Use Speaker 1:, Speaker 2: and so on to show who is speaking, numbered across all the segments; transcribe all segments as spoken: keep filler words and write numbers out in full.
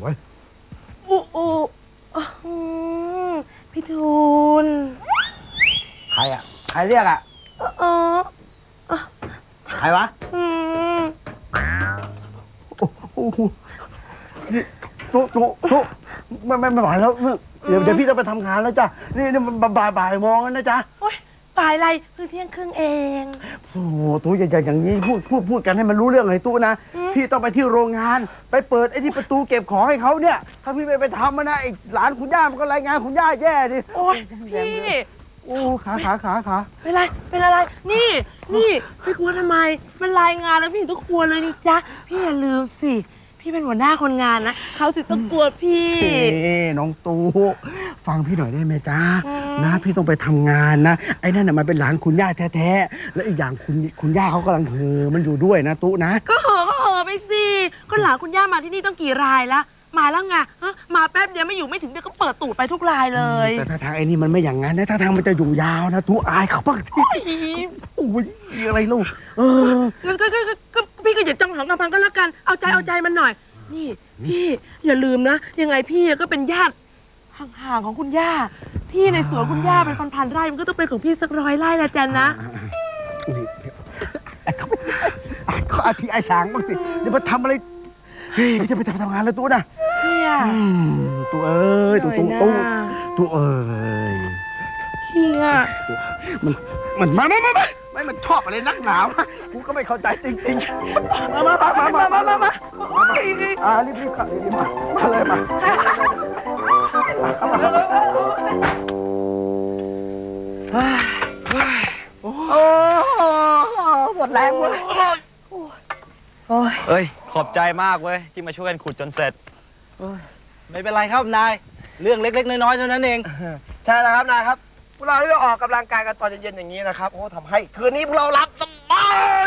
Speaker 1: เว้ย
Speaker 2: อู้อู้พี่ทูล
Speaker 1: ใครอ่ะใครเรียกอ่ะ
Speaker 2: อ๋อ
Speaker 1: ใครวะ
Speaker 2: อืม
Speaker 1: โอ้โหนี่โต๊ะโต๊ะโต๊ะไม่ไม่ไม่ไหวแล้วเดี๋ยวเดี๋ยวพี่ต้องไปทำงานแล้วจ้ะนี่นี่มันบ่ายบ่ายโมงแล้วนะจ๊ะ
Speaker 2: โอ๊ยบ่ายอะไรเพิ่งเที่ยงครึ่งเอง
Speaker 1: โอ้โหตู้ใหญ่ๆอย่างนี้พูดพูดพูดกันให้มันรู้เรื่องเลยตู้นะพี่ต้องไปที่โรงงานไปเปิดไอ้ที่ประตูเก็บของให้เขาเนี่ยถ้าพี่ไม่ไปทำมันนะไอ้หลานคุณย่ามันก็รายงานคุณย่าแย่ดิ
Speaker 2: โอ๊ยพี่
Speaker 1: โอ้ขาขาขาขา
Speaker 2: เป็นไรเป็นอะไรนี่นี่พี่กลัวทำไมมันรายงานแล้วพี่ต้องกลัวเลยนี่จ๊ะพี่อย่าลืมสิพี่เป็นหัวหน้าคนงานนะเขาสิต้องกลัวพี่
Speaker 1: เอ้น้องตูฟังพี่หน่อยได้ไหมจ๊ะนะพี่ต้องไปทำงานนะไอ้นั่นน่ะมันเป็นหลานคุณย่าแท้ๆแล้วอีกอย่างคุณคุณย่าเขากำลังเฮอมันอยู่ด้วยนะตู้นะ
Speaker 2: ก็เฮอก็เฮอไปสิก็หลานคุณย่ามาที่นี่ต้องกี่รายละมาแล้วไงมาแป๊บเดียวไม่อยู่ไม่ถึงเดี๋ยวก็เปิดตูดไปทุกรายเลย
Speaker 1: แต่ถ้าทางไอ้นี่มันไม่อย่างนั้นนะถ้าทางมันจะอยู่ยาวนะตู้อายเขาบ้างที่โอ้ยอะไรลูกเออ
Speaker 2: งั้นก็ก็พี่ก็อย่าจ้องหองกำพังก็แล้วกันเอาใจเอาใจมันหน่อยนี่พี่อย่าลืมนะยังไงพี่ก็เป็นญาติห่างๆของคุณย่าที่ในสวนคุณย่าเป็นพันๆไร่มันก็ต้องเป็นของพี่สักร้อยไร่ละจันนะ
Speaker 1: นี่เขาอาทิไอ้สางบ้างสิเดี๋ยวมาทำอะไรเฮ้ยจะไปทำงานแล้วตู้นะ
Speaker 2: พี่อะ
Speaker 1: ตู้เอ้ยตู้ตู้ตู้ตู้เอ้ย
Speaker 2: พี่อะ
Speaker 1: มันมันมาไม่ไม่ไม่ไม่มันชอบอะไรนักหนาวกูก็ไม่เข้าใจจริงๆมามามามามามามาอ่ารีบรีบขับรีบมามาเลยมาโอ้หมดแรงเว้ย
Speaker 3: เอ้ยขอบใจมากเว้ยที่มาช่วยกันขุดจนเสร็จ
Speaker 4: ไม่เป็นไรครับนายเรื่องเล็กๆน้อยๆเท่านั้นเอง
Speaker 1: ใช่แล้วครับนายครับพวกเราได้ออกกำลังกายกันตอนเย็นๆอย่างนี้นะครับโอ้ทำให้คืนนี้พวกเราหลับสบาย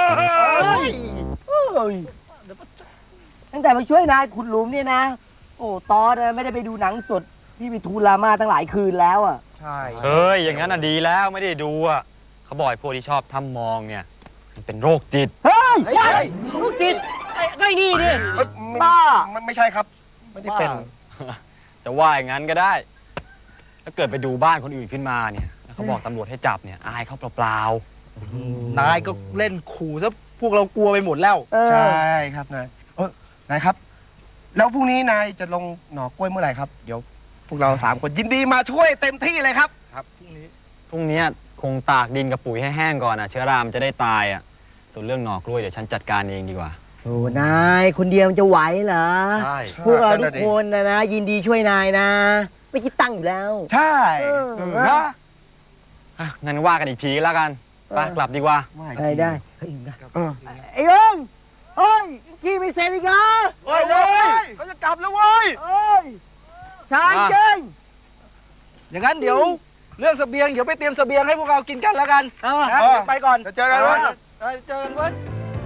Speaker 5: ตั้งแต่มาช่วยนายขุดหลุมเนี่ยนะโอ้ตอนไม่ได้ไปดูหนังสดพี่ไปทูลามาตั้งหลายคืนแล้วอ่ะ
Speaker 3: ใช่เฮ้ยอย่างนั้นอ่ะดีแล้วไม่ได้ดูอ่ะเขาบอกพวกที่ชอบทำมองเนี่ยมันเป็นโรคจิต
Speaker 5: เฮ้ยใช่โรคจิตไอ้นี่ดิบ้า
Speaker 1: ไม่ใช่ครับไม่ได้เป็น
Speaker 3: จะว่าอย่างนั้นก็ได้ถ้าเกิดไปดูบ้านคนอื่นขึ้นมาเนี่ยแล้วเขาบอกตำรวจให้จับเนี่ยอายเขาเปล่า
Speaker 4: ๆนายก็เล่นขู่ซะพวกเรากลัวไปหมดแล้ว
Speaker 1: ใช่ครับนายเออนายครับแล้วพรุ่งนี้นายจะลงหน่อกล้วยเมื่อไหร่ครับเดี๋ยวพวกเราสามคนยินดีมาช่วยเต็มที่เลยครับ
Speaker 3: ครับพรุ่งนี้พรุ่งนี้คงตากดินกับปุ๋ยให้แห้งก่อนอ่ะเชื้อรามจะได้ตายอ่ะส่วนเรื่องหน่อกล้วยเดี๋ยวฉันจัดการเองดีกว่า
Speaker 5: โอ้นายคนเดียวมันจะไหวเหรอ
Speaker 3: ใช่
Speaker 5: พวกเราทุกคนนะนะยินดีช่วยนายนะไม่คิดตั้งอยู่แล้ว
Speaker 1: ใช่
Speaker 3: นะงั้นว่ากันอีกทีแล้วกันไปกลับดีกว่า
Speaker 5: ได้ได้ไอ้ลุงเฮ้ยกี่ไม่เสร็จอีกเหรอ
Speaker 1: เฮ้ยเลยเขาจะกลับแล้วเว้ย
Speaker 5: เฮ้ยชายเก่ง
Speaker 4: อย่างนั้นเดี๋ยวเรื่องเสบียงเดี๋ยวไปเตรียมเสบียงให้พวกเรากินกันแล้วกันไปก่อน
Speaker 1: เจอกันเว้ย
Speaker 4: เจอกันเว้ย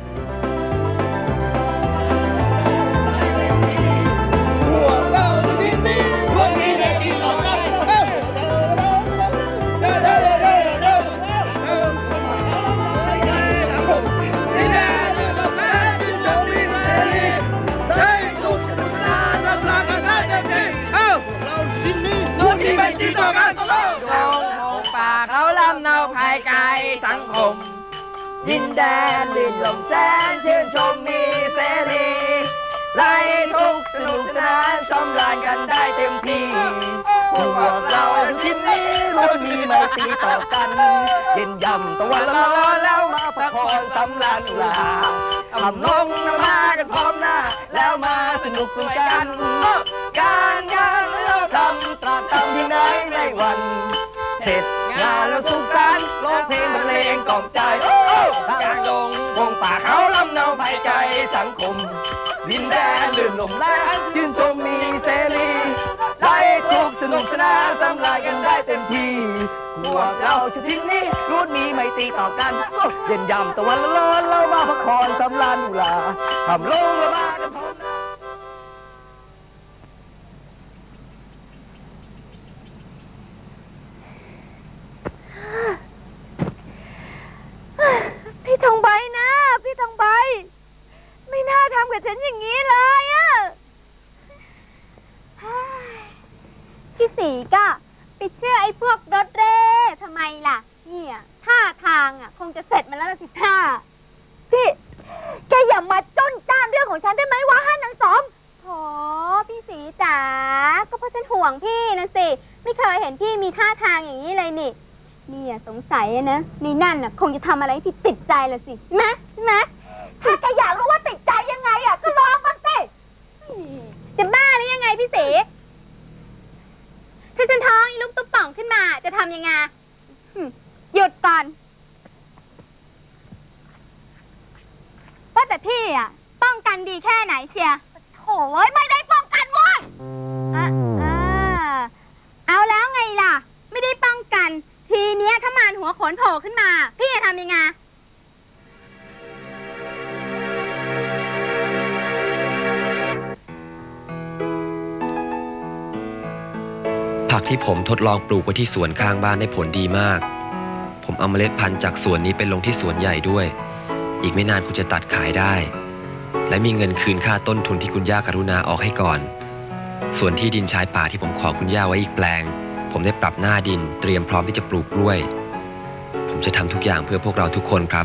Speaker 5: สังคมดินแดนลื่นลมแสนชื่นชมมีเสรีไร้ทุกสนุกสนานสำราญกันได้เต็มที่พวกเราทีมนี้ล้วนมีไมตรีต่อกันเย็นย่ำตะวันร้อนแล้วมาประคองสำราญอุราทำลงน้ำมากันพร้อมหน้าแล้วมาสนุกกันการงานเราทำตราบทำที่ไหนในวันเสร็จงานแล้วสุขสันต์ร้องเพลงบรรเลงกล่อมใจกลางดงวงป่าเขาลำเนาภัยใจสังคมดินแดนลื่นลมแรงชื่นชมมีเสรีได้ทุกสนุกสนานสำราญกันได้เต็มที่พวกเราชุดที่นี้รู้มีไมตรีต่อกันเย็นย่ำตะวันร้อนเรามาพักผ่อนสำราญอุราทำลงละมากันพร้อมหน้า
Speaker 2: พี่ทองใบนะพี่ทองใบไม่น่าทำกับฉันอย่างนี้เลยอะ
Speaker 6: สีก็ไปเชื่อไอ้พวกรถเร่ทำไมล่ะเนี่ยท่าทางอ่ะคงจะเสร็จมาแล้วล่ะสิท่าพี่แกอย่ามาจ้นจ้านเรื่องของฉันได้ไหมวะฮะนางสมโถพี่สีจ๋าก็เพราะฉันห่วงพี่นะสิไม่เคยเห็นพี่มีท่าทางอย่างนี้เลยนี่เนี่ยสงสัยนะในนั่นน่ะคงจะทำอะไรที่ติดใจละสิใช่ไหมใช่ไหมถ้าแกอยากรู้ว่าติดใจยังไงอ่ะก็ลองมาสิจะบ้าหรือยังไงพี่สีถ้าฉันท้องอีลูกตุ๊บป่องขึ้นมาจะทำยังไงหยุดก่อนว่าแต่พี่อ่ะป้องกันดีแค่ไหนเชียร์โถ่ไม่ได้ป้องกันเว้ยอ่ะอ่าเอาแล้วไงล่ะไม่ได้ป้องกันทีเนี้ยถ้ามารหัวขนโผล่ขึ้นมาพี่จะทำยังไง
Speaker 7: ผักที่ผมทดลองปลูกไว้ที่สวนข้างบ้านได้ผลดีมาก ผมเอาเมล็ดพันธุ์จากสวนนี้ไปลงที่สวนใหญ่ด้วย อีกไม่นานคุณจะตัดขายได้ และมีเงินคืนค่าต้นทุนที่คุณย่ากรุณาออกให้ก่อน ส่วนที่ดินชายป่าที่ผมขอคุณย่าไว้อีกแปลง ผมได้ปรับหน้าดินเตรียมพร้อมที่จะปลูกกล้วย ผมจะทำทุกอย่างเพื่อพวกเราทุกคนครับ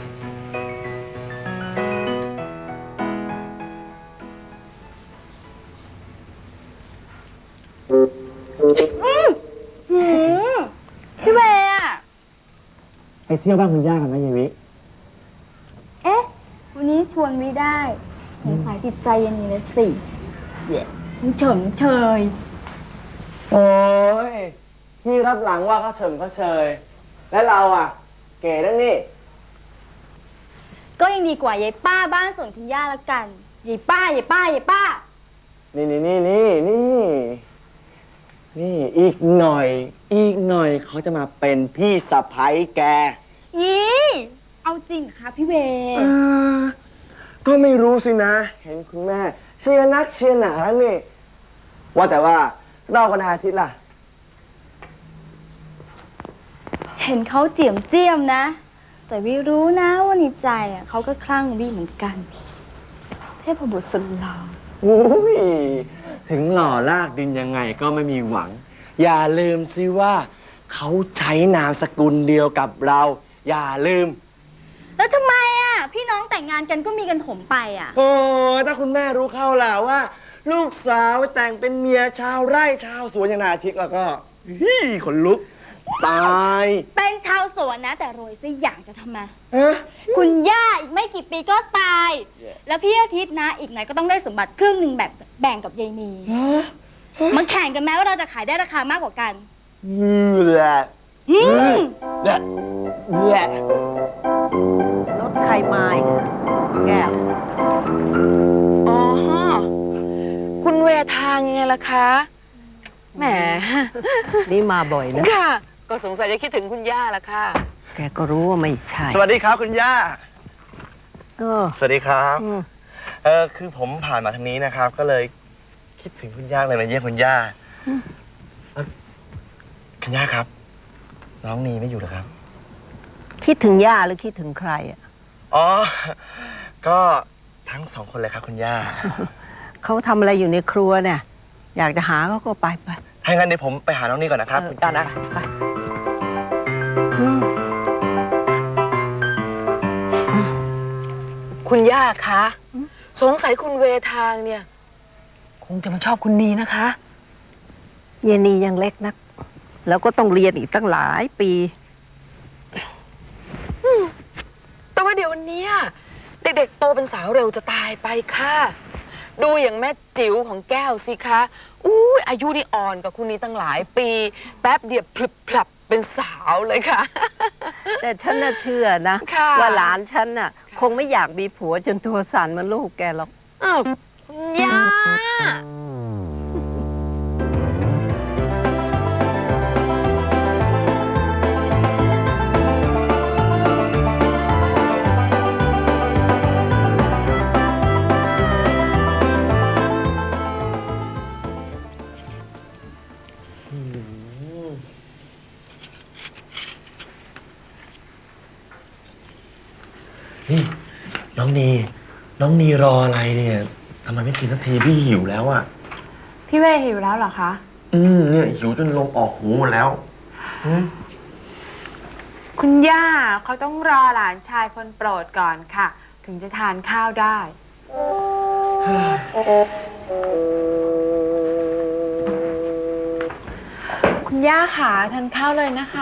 Speaker 6: พี่เวย์อะ
Speaker 1: ไปเที่ยวบ้านคุณย่ากันไหมยายวิ
Speaker 6: เอ๊ะวันนี้ชวนไม่ได้สงสัยจิตใจเย็นเลยสิเดี๋ยวเฉยเฉย
Speaker 5: โอ้ยพี่รับหลังว่าเขาเฉิมเขาเชยและเราอ่ะ เก๋แล้วนี่
Speaker 6: ก็ยังดีกว่ายายป้าบ้านสวนคุณย่าละกันยายป้ายายป้ายายป้า
Speaker 5: นี่นี่นี่นี่นี่นี่อีกหน่อย อีกหน่อยเขาจะมาเป็นพี่สะใภ้แก
Speaker 6: ยี่เอาจริงเหรอคะพี่เวย์
Speaker 5: อ่าก็ไม่รู้สินะ เห็นคุณแม่เชียร์นักเชียร์หนานี่ ว่าแต่ว่าเรากันอาทิตย์ล่ะ
Speaker 6: เห็นเขาเจียมเจียมนะ แต่วิรู้นะว่าในใจอ่ะเขาก็คลั่งวิเหมือนกัน เทพบุตรสุดหล่อ
Speaker 5: โอ้ยถึงหล่อลากดินยังไงก็ไม่มีหวัง อย่าลืมสิว่าเขาใช้นามสกุลเดียวกับเรา อย่าลืม
Speaker 6: แล้วทำไมอ่ะพี่น้องแต่งงานกันก็มีกันถมไปอ่ะ
Speaker 5: โอ้ยถ้าคุณแม่รู้เข้าล่ะว่า ลูกสาวแต่งเป็นเมียชาวไร่ชาวสวนอย่างนาทิกแล้วก็ฮี่ขนลุก ตาย
Speaker 6: เป็นชาวสวนนะ แต่รวยซะอย่างจะทำไม
Speaker 5: ฮะ
Speaker 6: คุณย่าอีกไม่กี่ปีก็ตาย แล้วพี่อาทิตย์นะ อีกหน่อยก็ต้องได้สมบัติครึ่งหนึ่งแบบแบ่งกับยายนีมันแข่งกันแม้ว่าเราจะขายได้ราคามากกว่ากัน
Speaker 5: อือแหละ
Speaker 6: อืม
Speaker 5: แหละแหละ
Speaker 2: รถใครมาอีกแก้ว อ๋อ คุณเวทางยังไงล่ะคะ แหม
Speaker 8: นี่มาบ่อยนะ
Speaker 2: ค่ะ ก็สงสัยจะคิดถึงคุณย่าละค่ะ
Speaker 8: แกก็รู้ว่าไม่ใช่
Speaker 4: สวัสดีครับคุณย่า
Speaker 8: เออ
Speaker 4: สวัสดีครับ
Speaker 8: อืม
Speaker 4: เออคือผมผ่านมาทางนี้นะครับ ก็เลยคิดถึงคุณย่าเลยมาเยี่ยมคุณย่าเอ่อคุณย่าครับ น้องนีไม่อยู่เหรอครับ
Speaker 8: คิดถึงย่าหรือคิดถึงใครอ่ะ
Speaker 4: อ๋อ ก็ทั้งสองคนเลยครับคุณย่า
Speaker 8: เขาทำอะไรอยู่ในครัวเนี่ย อยากจะหาเขาก็ไปไป
Speaker 4: ถ้างั้นเดี๋ยวผมไปหาน้องนีก่อนนะครับ
Speaker 8: เออ
Speaker 4: คุณย่านะ
Speaker 8: ไปอืม
Speaker 2: คุณย่าคะ สงสัยคุณเวทางเนี่ย คงจะมาชอบคุณนีนะคะ
Speaker 8: เยนียังเล็กนัก แล้วก็ต้องเรียนอีกตั้งหลายปี
Speaker 2: แต่ว่าเดี๋ยวนี้เด็กๆโตเป็นสาวเร็วจะตายไปค่ะ ดูอย่างแม่จิ๋วของแก้วสิคะอู้ยอายุนี่อ่อนกว่าคุณนี้ตั้งหลายปี แป๊บเดียวพลึบพลับเป็นสาวเลยค่ะ
Speaker 8: แต่ฉันน่ะเชื่อนะ
Speaker 2: ค่ะ
Speaker 8: ว่าหลานฉันน่ะ คงไม่อยากมีผัวจนตัวสั่นเหมันลูกแกหรอก
Speaker 2: อ้าวคุณย่า
Speaker 4: นี่น้องนี น้องนีรออะไรเนี่ยทำไมไม่กินสักทีพี่หิวแล้วอ่ะ
Speaker 9: พี่เวหิวแล้วเหรอคะ
Speaker 4: อืมเนี่ยหิวจนลมออกหูหมดแล้วอืม
Speaker 9: คุณย่าเขาต้องรอหลานชายคนโปรดก่อนค่ะ ถึงจะทานข้าวได้ คุณย่าค่ะทานข้าวเลยนะคะ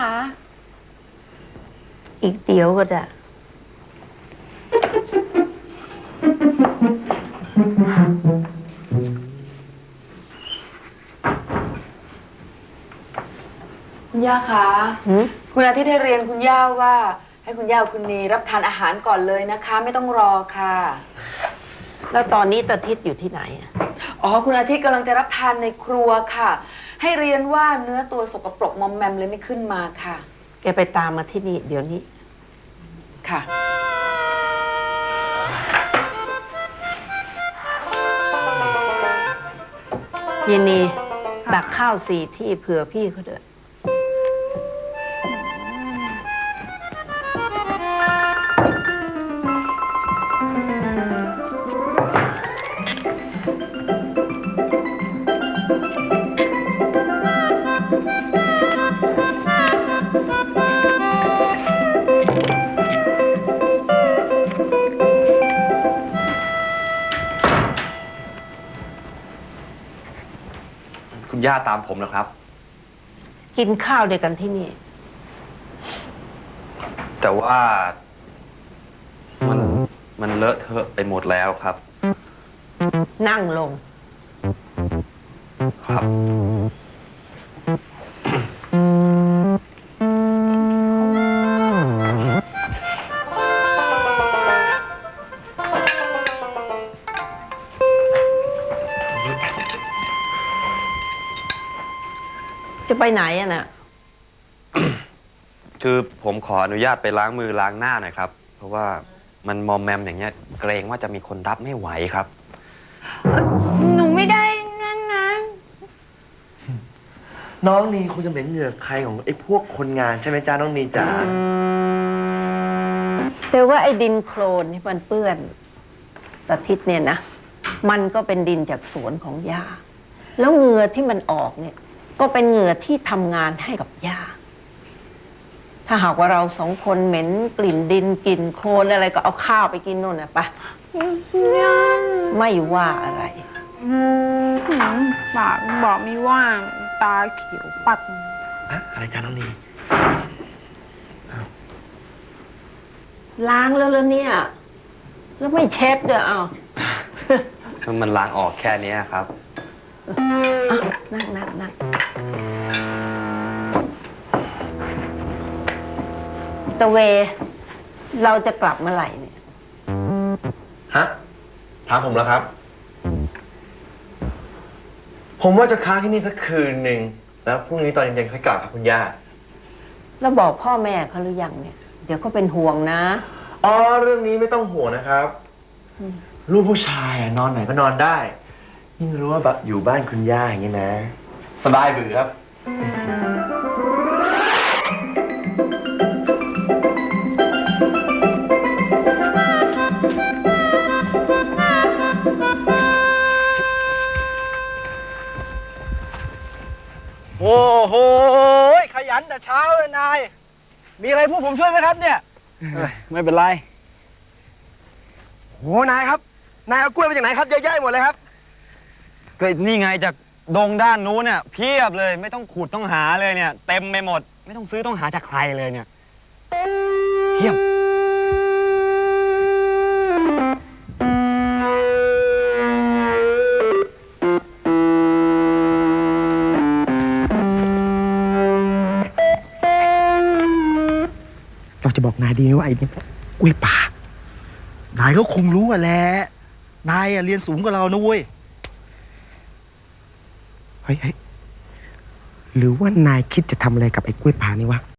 Speaker 8: อีกเดี๋ยวก็ได้
Speaker 9: คุณย่าคะ
Speaker 8: หืม
Speaker 9: คุณอาทิตย์ให้เรียนคุณย่าว่า ให้คุณย่ากับคุณนีรับทานอาหารก่อนเลยนะคะ ไม่ต้องรอค่ะ
Speaker 8: แล้วตอนนี้ตาทิศอยู่ที่ไหนอะ
Speaker 9: อ๋อคุณอาทิตย์กำลังจะรับทานในครัวค่ะ ให้เรียนว่าเนื้อตัวสกปรกมอมแมมเลยไม่ขึ้นมาค่ะ
Speaker 8: แกไปตามมาที่นี่เดี๋ยวนี้
Speaker 9: ค่ะ
Speaker 8: เยนนีตักข้าวสี่ที่เผื่อพี่เขาเด้อ
Speaker 7: คุณย่าตามผมนะครับ
Speaker 8: กินข้าวด้วยกันที่นี่
Speaker 7: แต่ว่ามันมันเลอะเทอะไปหมดแล้วครับ
Speaker 8: นั่งลง
Speaker 7: ครับ
Speaker 8: จะไปไหนอะน่ะ
Speaker 7: คือผมขออนุญาตไปล้างมือล้างหน้าหน่อยครับ เพราะว่ามันมอมแมมอย่างเงี้ย เกรงว่าจะมีคนรับไม่ไหวครับ
Speaker 9: หนูไม่ได้นั่นนะ
Speaker 4: น้องนีคงจะเหม็นเหงื่อใครของไอ้พวกคนงานใช่ไหมจ้าน้องนีจ๋า
Speaker 8: แต่ว่าไอ้ดินโคลนที่มันเปื้อนตาทิศเนี่ยนะ มันก็เป็นดินจากสวนของย่า แล้วเหงื่อที่มันออกเนี่ย ก็เป็นเหงื่อที่ทำงานให้กับย่า ถ้าหากว่าเราสองคนเหม็นกลิ่นดินกลิ่นโคลนอะไรก็เอาข้าวไปกินนู่นนะไปไม่ว่าอะไร
Speaker 9: ปากบอกไม่ว่าง ตาเขียวปัด
Speaker 4: อะอะไรจ้าน้องนี
Speaker 8: ล้างแล้วแล้วเนี่ย แล้วไม่เช็ดเด้อเอา
Speaker 7: มันล้างออกแค่นี้ครับ
Speaker 8: อ่ะนั่งนั่งนั่งตะเว เราจะกลับเมื่อไหร่เนี่ย
Speaker 4: ฮะถามผมแล้วครับ ผมว่าจะค้างที่นี่สักคืนหนึ่งแล้วพรุ่งนี้ตอนเย็นๆค่อยกลับครับคุณย่า
Speaker 8: แล้วบอกพ่อแม่เขาหรือยังเนี่ย เดี๋ยวเขาเป็นห่วงนะ
Speaker 4: อ๋อเรื่องนี้ไม่ต้องห่วงนะครับ
Speaker 8: อืม
Speaker 4: ลูกผู้ชายอะนอนไหนก็นอนได้ยิ่งรู้ว่าแบบอยู่บ้านคุณย่าอย่างนี้นะ สบายเบื่อครับ
Speaker 1: โอ้โหขยันแต่เช้าเลยนาย มีอะไรพวกผมช่วยไหมครับเนี่ย
Speaker 3: ไม่เป็นไร
Speaker 1: โหนายครับ นายเอากล้วยมาจากไหนครับเยอะแยะหมดเลยครับ
Speaker 3: ก็นี่ไงจากดงด้านนู้นเนี่ยเพียบเลยไม่ต้องขุดต้องหาเลยเนี่ย เต็มไปหมด ไม่ต้องซื้อต้องหาจากใครเลยเนี่ยเพียบ
Speaker 1: เราจะบอกนายดีไหมว่าไอ้นี่กล้วยป่า นายก็คงรู้อ่ะแหละ นายอะเรียนสูงกว่าเรานะเว้ย เฮ้ยเฮ้ยหรือว่านายคิดจะทำอะไรกับไอ้กล้วยป่านี่วะ